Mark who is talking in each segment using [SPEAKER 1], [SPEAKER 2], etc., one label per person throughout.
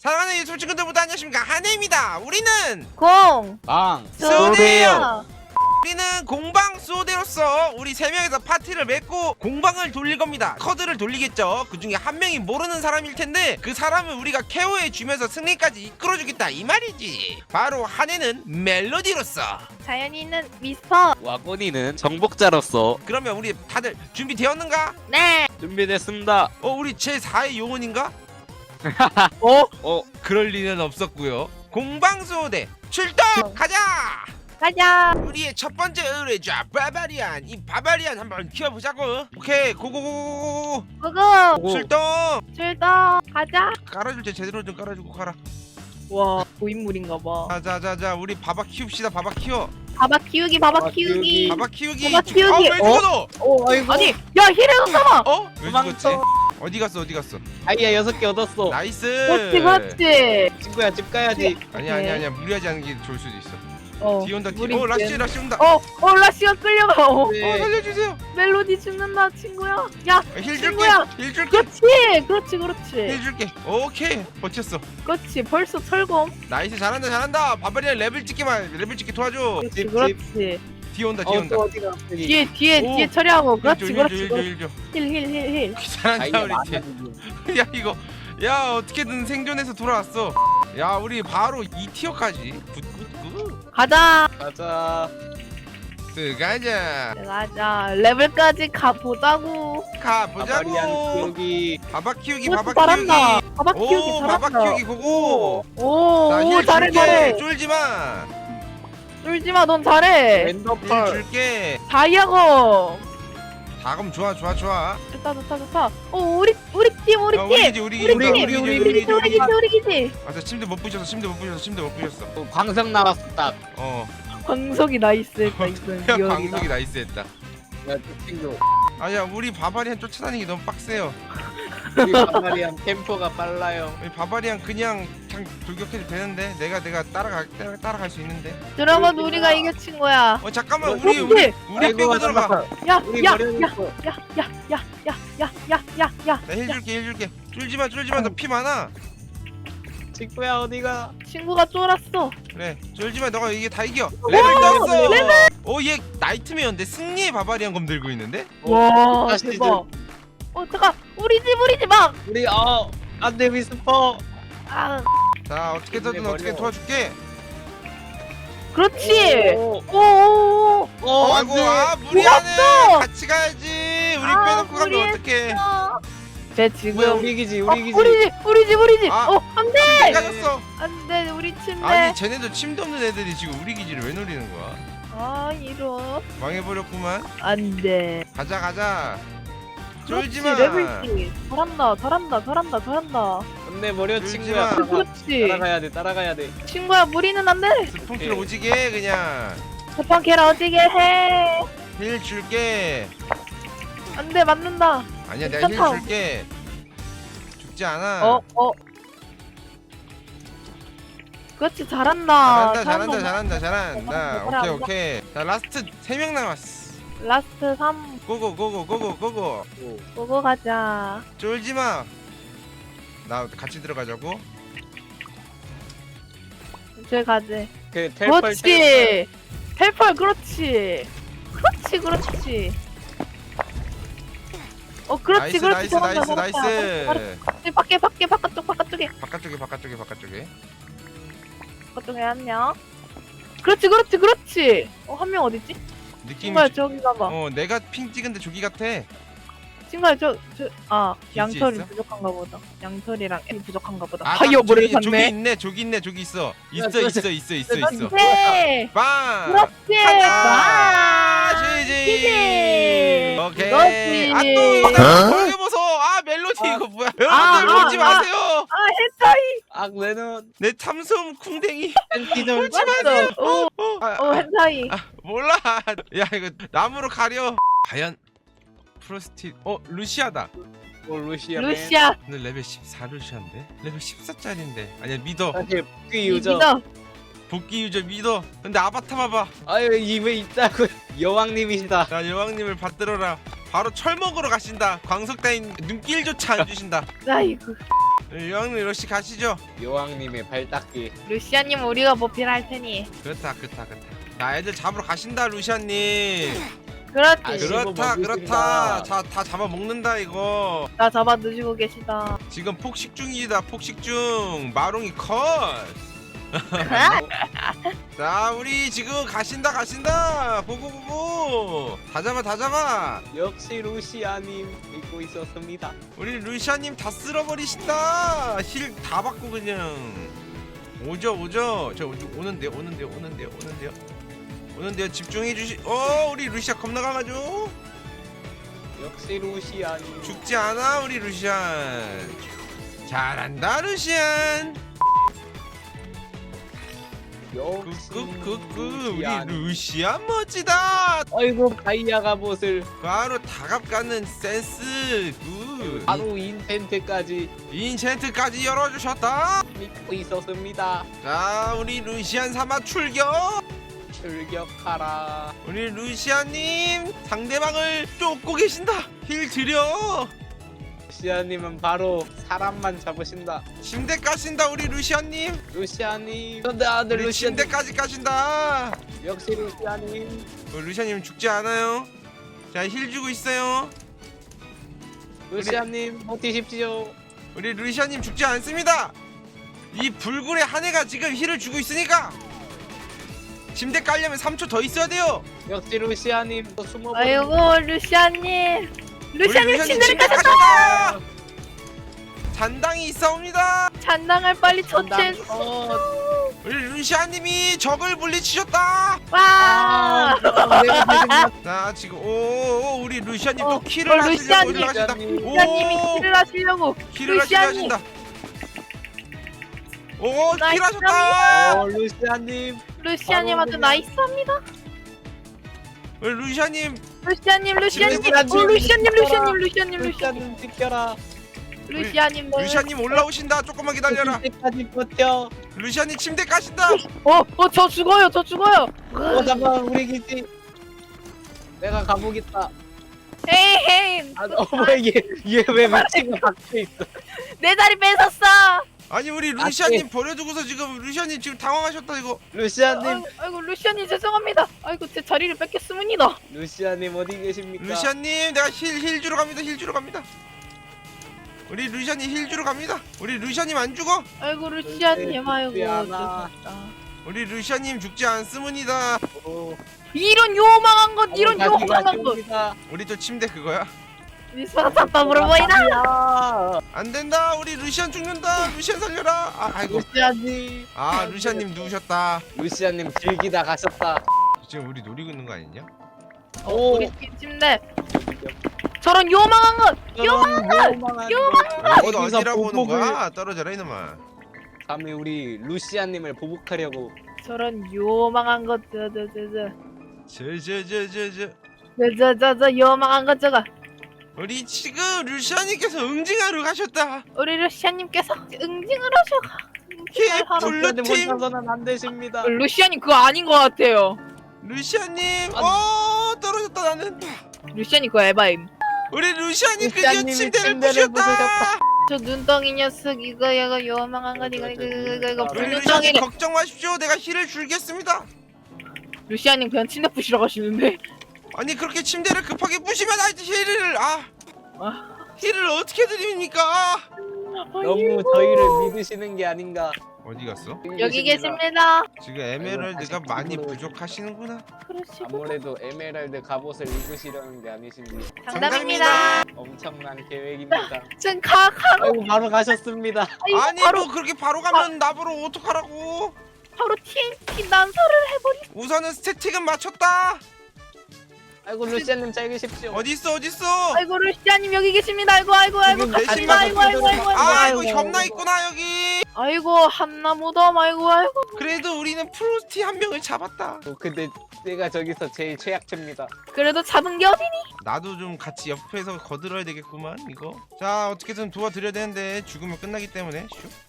[SPEAKER 1] 사랑하는 유튜브 친구들보다 안녕하십니까, 한혜입니다. 우리는
[SPEAKER 2] 공
[SPEAKER 1] 수호대예요. 우리는 공방 수호대로서 우리 3명에서 파티를 맺고 공방을 돌릴 겁니다. 커드를 돌리겠죠. 그 중에 한 명이 모르는 사람일 텐데 그 사람을 우리가 케어해 주면서 승리까지 이끌어 주겠다 이 말이지. 바로 한혜는 멜로디로서,
[SPEAKER 2] 자연이는 미스터.
[SPEAKER 3] 와꼬니는 정복자로서.
[SPEAKER 1] 그러면 우리 다들 준비되었는가?
[SPEAKER 2] 네.
[SPEAKER 3] 준비됐습니다.
[SPEAKER 1] 우리 제4의 용언인가? 그럴 리는 없었고요. 공방수호대 출동! 가자!
[SPEAKER 2] 가자.
[SPEAKER 1] 우리의 첫 번째 의뢰자 바바리안. 이 바바리안 한번 키워보자고. 오케이, 고고고고고.
[SPEAKER 2] 고고.
[SPEAKER 1] 출동!
[SPEAKER 2] 출동. 가자.
[SPEAKER 1] 깔아줄 때 제대로 좀 깔아주고 가라.
[SPEAKER 2] 와 고인물인가봐.
[SPEAKER 1] 자자자자, 우리 바바 키웁시다. 바바 키워.
[SPEAKER 2] 바바 키우기. 바바
[SPEAKER 3] 바바
[SPEAKER 2] 키우기.
[SPEAKER 3] 키우기.
[SPEAKER 1] 바바 키우기.
[SPEAKER 2] 바바 키우기.
[SPEAKER 1] 왜 죽어도?
[SPEAKER 3] 아이고.
[SPEAKER 2] 아니 야 힐을 써봐.
[SPEAKER 1] 왜
[SPEAKER 3] 도망쳐.
[SPEAKER 1] 죽었지? 어디 갔어? 어디 갔어?
[SPEAKER 3] 다이아 6개 얻었어.
[SPEAKER 1] 나이스.
[SPEAKER 2] 그렇지 그렇지.
[SPEAKER 3] 친구야 집 가야지.
[SPEAKER 1] 아니야 무리하지 않은 게 좋을 수도 있어. 뒤 온다.
[SPEAKER 2] 우리
[SPEAKER 1] 라시 온다.
[SPEAKER 2] 라시가 끌려가.
[SPEAKER 3] 네.
[SPEAKER 1] 살려주세요.
[SPEAKER 2] 멜로디 죽는다 친구야. 야
[SPEAKER 1] 힐 줄게.
[SPEAKER 2] 친구야.
[SPEAKER 1] 힐 줄게.
[SPEAKER 2] 그렇지.
[SPEAKER 1] 힐 줄게. 오케이, 버텼어.
[SPEAKER 2] 그렇지. 벌써 철검.
[SPEAKER 1] 나이스. 잘한다. 바바리안 레벨 찍기 도와줘.
[SPEAKER 3] 집.
[SPEAKER 2] 그렇지.
[SPEAKER 1] 뒤 온다.
[SPEAKER 3] 또 어디가?
[SPEAKER 2] 뒤에 처리하고. 그렇지.
[SPEAKER 1] 힐 줘.
[SPEAKER 2] 힐.
[SPEAKER 1] 잘한다 우리 팀. 야 이거, 야 어떻게든 생존해서 돌아왔어. 야 우리 바로 2티어까지. 굿.
[SPEAKER 2] 가자.
[SPEAKER 3] 가자.
[SPEAKER 1] 들어가자.
[SPEAKER 2] 가자. 레벨까지 가보자고.
[SPEAKER 1] 가보자고.
[SPEAKER 3] 여기.
[SPEAKER 1] 바바 키우기.
[SPEAKER 2] 잘한다. 바바 키우기
[SPEAKER 1] 오,
[SPEAKER 2] 잘한다.
[SPEAKER 1] 바바 키우기 고고.
[SPEAKER 2] 오,
[SPEAKER 1] 힐
[SPEAKER 2] 잘해.
[SPEAKER 1] 줄게. 쫄지마.
[SPEAKER 2] 쫄지마, 넌 잘해.
[SPEAKER 1] 힐
[SPEAKER 3] 랜덤펄.
[SPEAKER 1] 줄게.
[SPEAKER 2] 다이아고.
[SPEAKER 1] 다금 좋아.
[SPEAKER 2] 좋다. 우리 팀.
[SPEAKER 1] 우리 기지.
[SPEAKER 2] 우리 기지.
[SPEAKER 1] 아, 침대 못 부셨어.
[SPEAKER 3] 광석 나왔어 딱.
[SPEAKER 2] 광석이 나이스했다 이건.
[SPEAKER 1] 야,
[SPEAKER 2] 리얼이다.
[SPEAKER 1] 방송이 나이스했다.
[SPEAKER 3] 야 친구.
[SPEAKER 1] 아야, 우리 바바리안 쫓아다니기 너무 빡세요.
[SPEAKER 3] 우리 바바리안 템포가 빨라요.
[SPEAKER 1] 우리 바바리안 그냥 돌격해도 되는데 내가 따라갈 수 있는데.
[SPEAKER 2] 드라마도 우리가 이겨 친구야.
[SPEAKER 1] 잠깐만,
[SPEAKER 2] 그렇지.
[SPEAKER 1] 우리
[SPEAKER 3] 아이고,
[SPEAKER 1] 빼고 들어가.
[SPEAKER 3] 우리 버려놓고.
[SPEAKER 2] 야.
[SPEAKER 1] 나 힐 줄게. 쫄지마. 너 피 많아.
[SPEAKER 3] 친구야 어디가?
[SPEAKER 2] 친구가 쫄았어.
[SPEAKER 1] 그래, 쫄지마. 너가 이게 다 이겨. 레벨 떴어. 얘 나이트메어인데 승리의 바바리안 검 들고 있는데.
[SPEAKER 2] 와
[SPEAKER 3] 다시
[SPEAKER 2] 대박. 잠깐 우리 집 막.
[SPEAKER 3] 우리 안돼 미스퍼.
[SPEAKER 2] 아
[SPEAKER 1] 자, 어떻게든
[SPEAKER 3] 근데
[SPEAKER 1] 어떻게
[SPEAKER 3] 버려.
[SPEAKER 1] 도와줄게.
[SPEAKER 2] 그렇지.
[SPEAKER 3] 오.
[SPEAKER 1] 아이고, 무리하네. 같이 가야지. 우리 빼놓고 가면 어떡해.
[SPEAKER 2] 쟤
[SPEAKER 3] 뭐야
[SPEAKER 2] 지금
[SPEAKER 3] 우리 기지.
[SPEAKER 2] 우리 집.
[SPEAKER 1] 아.
[SPEAKER 2] 안돼.
[SPEAKER 1] 침대 가졌어.
[SPEAKER 2] 안돼 우리 침대.
[SPEAKER 1] 아니, 쟤네도 침도 없는 애들이 지금 우리 기지를 왜 노리는 거야?
[SPEAKER 2] 이런.
[SPEAKER 1] 망해버렸구만.
[SPEAKER 2] 안돼.
[SPEAKER 1] 가자. 쫄지마.
[SPEAKER 2] 레벨지. 잘한다.
[SPEAKER 3] 안돼 버려
[SPEAKER 1] 울지
[SPEAKER 3] 친구야.
[SPEAKER 1] 마.
[SPEAKER 2] 그렇지.
[SPEAKER 3] 따라가야 돼.
[SPEAKER 2] 친구야 무리는 안 돼.
[SPEAKER 1] 스폰키를
[SPEAKER 3] 오케이.
[SPEAKER 1] 오지게 해, 그냥.
[SPEAKER 2] 대판 걔라 어지게 해.
[SPEAKER 1] 힐 줄게.
[SPEAKER 2] 안돼 맞는다.
[SPEAKER 1] 아니야, 내가 힐
[SPEAKER 2] 괜찮다.
[SPEAKER 1] 줄게. 죽지 않아.
[SPEAKER 2] 그렇지 잘한다.
[SPEAKER 1] 잘한다. 오케이. 자, 라스트 3명 남았어.
[SPEAKER 2] 라스트 3
[SPEAKER 1] 고고.
[SPEAKER 2] 보고 가자.
[SPEAKER 1] 쫄지마. 나 같이 들어가자고.
[SPEAKER 2] 이제 가지.
[SPEAKER 3] 그 텔펄.
[SPEAKER 2] 그렇지. 텔펄 그렇지. 그렇지. 그렇지.
[SPEAKER 1] 나이스.
[SPEAKER 2] 밖에 바깥쪽에 바깥쪽에 한 명. 그렇지. 한 명 어딨지?
[SPEAKER 1] 느낌이.
[SPEAKER 2] 친구야 저기 가봐.
[SPEAKER 1] 내가 핑 찍은데 조기 같아.
[SPEAKER 2] 친구야 양털이
[SPEAKER 1] 있어?
[SPEAKER 2] 부족한가 보다. 양털이랑 애 부족한가 보다.
[SPEAKER 1] 아,
[SPEAKER 2] 파이어볼을
[SPEAKER 1] 조기
[SPEAKER 2] 샀네.
[SPEAKER 1] 있네. 조기 있어. 있어.
[SPEAKER 2] 그렇지.
[SPEAKER 1] 빵.
[SPEAKER 2] 그렇지.
[SPEAKER 1] 가자.
[SPEAKER 2] 와.
[SPEAKER 1] 지지. 오케이.
[SPEAKER 2] 그렇지.
[SPEAKER 1] 벌게 보소. 멜로디 이거 뭐야? 여러분들 보지 마세요.
[SPEAKER 2] 헨타이.
[SPEAKER 3] 내는
[SPEAKER 1] 내 참소음 쿵댕이.
[SPEAKER 3] 팬티좀
[SPEAKER 2] 맞어. 헨타이.
[SPEAKER 1] 몰라. 야, 이거 나무로 가려. 과연 프로스티. 루시아다.
[SPEAKER 3] 루시아.
[SPEAKER 1] 근데 레벨 14 루시아인데? 레벨 14짜리인데. 아니야, 믿어.
[SPEAKER 3] 사실 복귀 유저.
[SPEAKER 2] 믿어.
[SPEAKER 1] 복귀 유저 믿어. 근데 아바타 봐봐.
[SPEAKER 3] 아유 입에 있다고. 여왕님이시다.
[SPEAKER 1] 자, 여왕님을 받들어라. 바로 철 먹으러 가신다. 광석 따윈 눈길조차 안 주신다.
[SPEAKER 2] 아이고.
[SPEAKER 1] 여왕님 러시 가시죠.
[SPEAKER 3] 여왕님의 발 닦기.
[SPEAKER 2] 루시아님 우리가 보필할 테니.
[SPEAKER 1] 그렇다. 자, 애들 잡으러 가신다 루시안님.
[SPEAKER 2] 그렇지.
[SPEAKER 3] 아,
[SPEAKER 1] 그렇다.
[SPEAKER 3] 먹으신다.
[SPEAKER 1] 자, 다 잡아 먹는다 이거.
[SPEAKER 2] 나 잡아 드시고 계시다.
[SPEAKER 1] 지금 폭식 중이다. 폭식 중. 마롱이 컷. 자, 우리 지금 가신다. 고고고고. 다 잡아.
[SPEAKER 3] 역시 루시아님 믿고 있었습니다.
[SPEAKER 1] 우리 루시아님 다 쓸어버리신다. 힐 다 받고 그냥 오죠. 저 오는데요. 집중해 주시. 우리 루시아 겁나 강하죠.
[SPEAKER 3] 역시 루시아님.
[SPEAKER 1] 죽지 않아 우리 루시안. 잘한다 루시안.
[SPEAKER 3] 역시
[SPEAKER 1] 우리
[SPEAKER 3] 루시안.
[SPEAKER 1] 루시안 멋지다.
[SPEAKER 3] 아이고 다이아 갑옷을
[SPEAKER 1] 바로 다갑 갖는 센스. 굿.
[SPEAKER 3] 바로 인텐트까지
[SPEAKER 1] 인챈트까지 열어주셨다.
[SPEAKER 3] 믿고 있었습니다.
[SPEAKER 1] 자, 우리 루시안 삼아 출격.
[SPEAKER 3] 출격하라.
[SPEAKER 1] 우리 루시아님 상대방을 쫓고 계신다. 힐 드려.
[SPEAKER 3] 루시아님은 바로 사람만 잡으신다.
[SPEAKER 1] 침대 까신다 우리 루시아님.
[SPEAKER 3] 루시아님. 근데 아들
[SPEAKER 1] 우리
[SPEAKER 3] 루시아님.
[SPEAKER 1] 침대까지 까신다.
[SPEAKER 3] 역시 루시아님.
[SPEAKER 1] 루시아님 죽지 않아요. 자, 힐 주고 있어요.
[SPEAKER 3] 루시아님 버티십시오.
[SPEAKER 1] 우리 루시아님 죽지 않습니다. 이 불굴의 한 해가 지금 힐을 주고 있으니까 침대 깔려면 3초 더 있어야 돼요.
[SPEAKER 3] 역시 루시아님 또 숨어버린.
[SPEAKER 2] 아이고 루시아님. 루시아님
[SPEAKER 1] 우리
[SPEAKER 2] 침대를
[SPEAKER 1] 침대
[SPEAKER 2] 가셨다.
[SPEAKER 1] 까셨다. 잔당이 있사옵니다.
[SPEAKER 2] 잔당을 빨리 처치해.
[SPEAKER 1] 우리 루시아님이 적을 물리치셨다.
[SPEAKER 2] 와.
[SPEAKER 1] 자, 지금 오 우리 루시아님 또
[SPEAKER 2] 어,
[SPEAKER 1] 킬을 하시려고
[SPEAKER 2] 루시아님.
[SPEAKER 1] 올라가신다.
[SPEAKER 2] 루시아님이 킬을 하시려고.
[SPEAKER 1] 킬을
[SPEAKER 2] 루시아님.
[SPEAKER 1] 하신다. 오,
[SPEAKER 2] 나이스
[SPEAKER 1] 킬하셨다.
[SPEAKER 3] 루시아님.
[SPEAKER 2] 루시아님한테
[SPEAKER 3] 바로
[SPEAKER 2] 나이스합니다.
[SPEAKER 1] 우리 루시아님
[SPEAKER 2] 루시아님.
[SPEAKER 3] 루시아님. 루시아님 지켜라.
[SPEAKER 2] 루시아님.
[SPEAKER 1] 루시아님 올라오신다. 조금만 기다려라.
[SPEAKER 3] 침대까지 버텨.
[SPEAKER 1] 루시아님 침대 까신다.
[SPEAKER 2] 저 죽어요.
[SPEAKER 3] 잠깐 우리 기지. 내가 가보겠다.
[SPEAKER 2] 에이.
[SPEAKER 3] 어머 얘왜 미친거 박혀 있어.
[SPEAKER 2] 내 자리 뺏었어.
[SPEAKER 1] 아니 우리 루시아님 버려두고서 지금 루시아님 지금 당황하셨다 이거.
[SPEAKER 3] 루시아님.
[SPEAKER 2] 아이고 루시아님 죄송합니다. 아이고 제 자리를 뺏겼습니다.
[SPEAKER 3] 루시아님 어디 계십니까?
[SPEAKER 1] 루시아님 내가 힐 주러 갑니다. 우리 루시아님 힐 주러 갑니다. 우리 루시아님 안 죽어.
[SPEAKER 2] 아이고 루시아님 아이고
[SPEAKER 3] 미안하다.
[SPEAKER 2] 죄송합니다.
[SPEAKER 1] 우리 루시아님 죽지 않습니다.
[SPEAKER 2] 이런 요망한 것 이런
[SPEAKER 3] 가지가
[SPEAKER 2] 요망한 것
[SPEAKER 3] 아쉽습니다.
[SPEAKER 1] 우리 또 침대 그거야?
[SPEAKER 2] 미스가 답답으로 보이나?
[SPEAKER 3] 야.
[SPEAKER 1] 안 된다. 우리 루시안 죽는다. 루시안 살려라. 아이고.
[SPEAKER 3] 루시아님.
[SPEAKER 1] 루시아님 누우셨다.
[SPEAKER 3] 루시아님 즐기다 가셨다.
[SPEAKER 1] 지금 우리 노리고 있는 거 아니냐?
[SPEAKER 3] 오.
[SPEAKER 2] 우리 침대 저런 요망한 것
[SPEAKER 3] 요망한
[SPEAKER 1] 어디라고 오는 거야? 떨어져라 이놈아.
[SPEAKER 3] 감히 우리 루시아님을 보복하려고.
[SPEAKER 2] 저런 요망한 것
[SPEAKER 1] 저
[SPEAKER 2] 요망한 것 저거
[SPEAKER 1] 우리 지금 루시아님께서 응징하러 가셨다.
[SPEAKER 2] 우리 루시아님께서 응징을 하셔가
[SPEAKER 1] 히 블루팀
[SPEAKER 3] 혼자서는 안 되십니다.
[SPEAKER 2] 루시아님 그거 아닌 것 같아요.
[SPEAKER 1] 루시아님 떨어졌다 나는.
[SPEAKER 2] 루시아님 그거 에바임.
[SPEAKER 1] 우리 루시아님 드디어
[SPEAKER 3] 루시아님이
[SPEAKER 1] 침대를
[SPEAKER 3] 침대를
[SPEAKER 1] 부셨다.
[SPEAKER 2] 저 눈덩이 녀석 이거 요망한 것 이거
[SPEAKER 1] 우리
[SPEAKER 2] 불눈덩이를
[SPEAKER 1] 루시아님 걱정 마십시오. 내가 힐을 줄겠습니다.
[SPEAKER 2] 루시아님 그냥 침대 부시러 가시는데
[SPEAKER 1] 아니 그렇게 침대를 급하게 부시면 힐을 힐을 어떻게 드립니까?
[SPEAKER 3] 너무 저희를 믿으시는 게 아닌가.
[SPEAKER 1] 어디 갔어?
[SPEAKER 2] 여기 계십니다.
[SPEAKER 1] 지금 에메랄드가
[SPEAKER 3] 다시
[SPEAKER 1] 많이
[SPEAKER 3] 집으로
[SPEAKER 1] 부족하시는구나.
[SPEAKER 2] 그러시고
[SPEAKER 3] 아무래도 에메랄드 갑옷을 입으시려는 게 아니신지.
[SPEAKER 2] 장담입니다.
[SPEAKER 3] 엄청난 계획입니다.
[SPEAKER 2] 지금 가
[SPEAKER 3] 아이고 바로 가셨습니다.
[SPEAKER 1] 아니
[SPEAKER 2] 바로
[SPEAKER 1] 뭐 그렇게 바로 가면 나보러 어떡하라고?
[SPEAKER 2] 바로 TNT 난사를 해버리.
[SPEAKER 1] 우선은 스태틱은 맞췄다.
[SPEAKER 3] 아이고 루시아님 잘 계십시오.
[SPEAKER 1] 어딨어?
[SPEAKER 2] 아이고 루시아님 여기 계십니다. 아이고
[SPEAKER 3] 지금
[SPEAKER 1] 내
[SPEAKER 2] 갑니다.
[SPEAKER 1] 신발
[SPEAKER 2] 아이고
[SPEAKER 1] 이거 협나 있구나 여기.
[SPEAKER 2] 아이고 한나 무덤 아이고
[SPEAKER 1] 그래도 우리는 프로스티 한 명을 잡았다.
[SPEAKER 3] 근데 내가 저기서 제일 최약체입니다.
[SPEAKER 2] 그래도 잡은 게 어디니?
[SPEAKER 1] 나도 좀 같이 옆에서 거들어야 되겠구만 이거. 자 어떻게든 도와드려야 되는데 죽으면 끝나기 때문에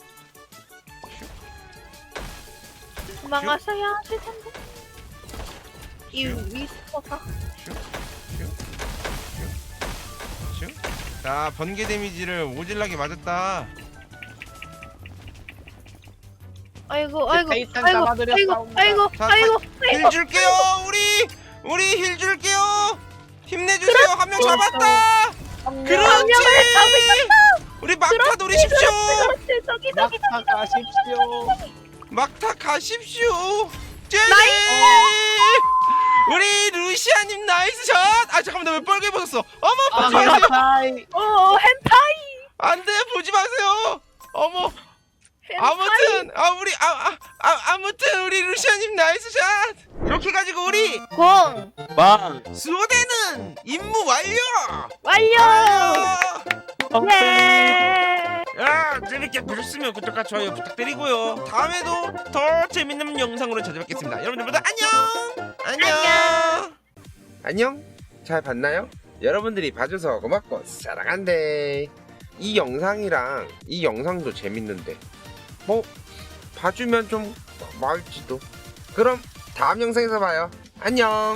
[SPEAKER 2] 도망가셔야 하실 텐데. 이 위스퍼가
[SPEAKER 1] 자 번개 데미지를 오질나게 맞았다.
[SPEAKER 2] 아이고 아이고
[SPEAKER 3] 타이탄
[SPEAKER 2] 아이고
[SPEAKER 3] 잡아드렸사옵니다.
[SPEAKER 2] 아이고
[SPEAKER 1] 자,
[SPEAKER 2] 아이고
[SPEAKER 1] 힐 줄게요. 우리 힐 줄게요. 힘내주세요. 한 명 잡았다. 그렇지. 우리 막타 노리십시오.
[SPEAKER 2] 그렇지 저기
[SPEAKER 3] 막타 가십시오.
[SPEAKER 1] 막타 가십시오. 제제. 우리 루시아님 나이스 샷. 아 잠깐만 나 왜 빨개 벗었어. 어머 보지 마세요.
[SPEAKER 3] 아이.
[SPEAKER 2] hentai
[SPEAKER 1] 안돼 보지 마세요. 어머. 아무튼 아무튼 우리 루시아님 나이스 샷. 이렇게 가지고 우리
[SPEAKER 2] 공
[SPEAKER 3] 빵.
[SPEAKER 1] 수호대는 임무 완료.
[SPEAKER 2] 완료 네
[SPEAKER 1] 야 재밌게 보셨으면 구독과 좋아요 부탁드리고요. 다음에도 더 재밌는 영상으로 찾아뵙겠습니다. 여러분들 모두 안녕. 잘 봤나요? 여러분들이 봐줘서 고맙고 사랑한대. 이 영상이랑 이 영상도 재밌는데 뭐 봐주면 좀 고마울지도. 그럼 다음 영상에서 봐요. 안녕.